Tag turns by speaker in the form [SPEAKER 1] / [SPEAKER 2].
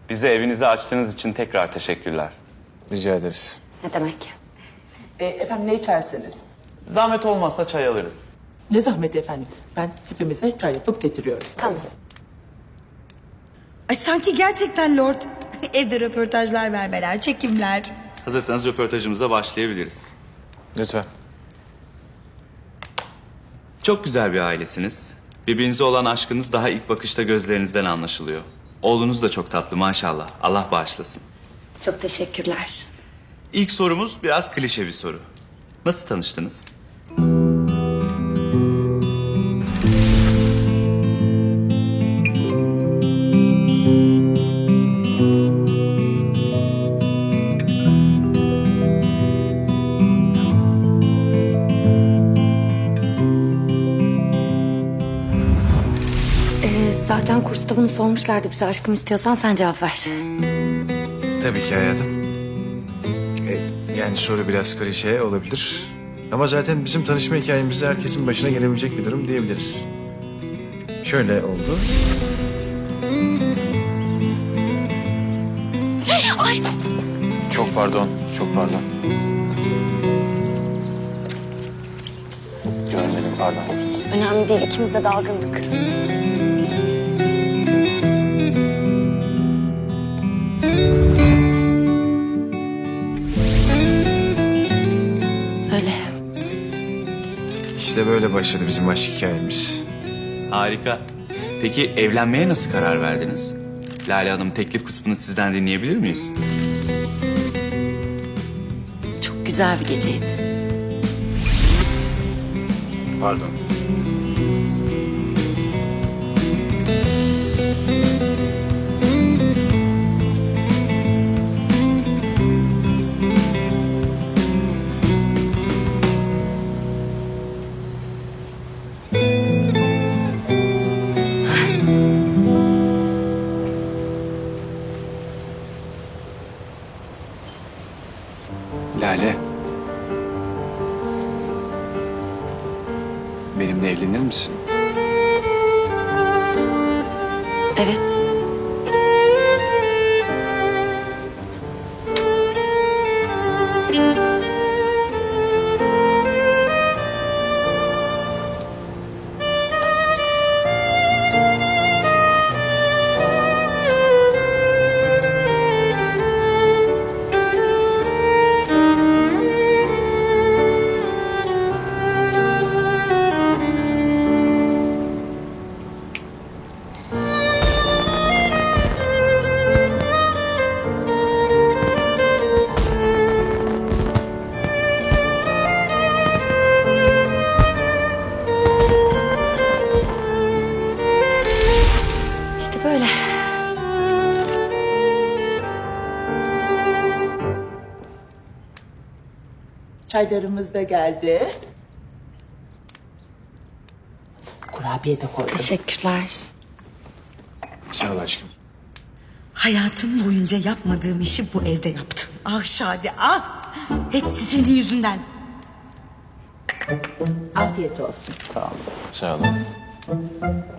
[SPEAKER 1] Bize evinizi açtığınız için tekrar teşekkürler.
[SPEAKER 2] Rica ederiz.
[SPEAKER 3] Ne demek?
[SPEAKER 4] Efendim ne içersiniz?
[SPEAKER 1] Zahmet olmazsa çay alırız.
[SPEAKER 4] Ne zahmet efendim. Ben hepimize çay yapıp getiriyorum.
[SPEAKER 3] Tamam.
[SPEAKER 5] Ay sanki gerçekten Lord. Evde röportajlar vermeler, çekimler.
[SPEAKER 1] Hazırsanız röportajımıza başlayabiliriz.
[SPEAKER 2] Lütfen.
[SPEAKER 1] Çok güzel bir ailesiniz. Birbirinize olan aşkınız daha ilk bakışta gözlerinizden anlaşılıyor. Oğlunuz da çok tatlı maşallah. Allah bağışlasın.
[SPEAKER 3] Çok teşekkürler.
[SPEAKER 1] İlk sorumuz biraz klişe bir soru. Nasıl tanıştınız?
[SPEAKER 3] Zaten kursta bunu sormuşlardı bize. Aşkım istiyorsan sen cevap ver.
[SPEAKER 2] Tabii ki hayatım. Yani soru biraz klişe olabilir. Ama zaten bizim tanışma hikayemizde herkesin başına gelebilecek bir durum diyebiliriz. Şöyle oldu.
[SPEAKER 3] Ay!
[SPEAKER 2] Çok pardon, çok pardon. Görmedim, pardon.
[SPEAKER 3] Önemli değil. İkimiz de dalgındık. Öyle.
[SPEAKER 2] İşte böyle başladı bizim aşk hikayemiz.
[SPEAKER 1] Harika. Peki evlenmeye nasıl karar verdiniz? Lale Hanım, teklif kısmını sizden dinleyebilir miyiz?
[SPEAKER 3] Çok güzel bir geceydi.
[SPEAKER 2] Pardon. Lale. Benimle evlenir misin?
[SPEAKER 3] Evet. İşte böyle.
[SPEAKER 4] Çaylarımız da geldi. Kurabiye de koydum.
[SPEAKER 3] Teşekkürler.
[SPEAKER 2] Sağ ol aşkım.
[SPEAKER 5] Hayatım boyunca yapmadığım işi bu evde yaptım. Ah Şadi ah. Hepsi senin yüzünden.
[SPEAKER 4] Afiyet olsun.
[SPEAKER 2] Sağ olun.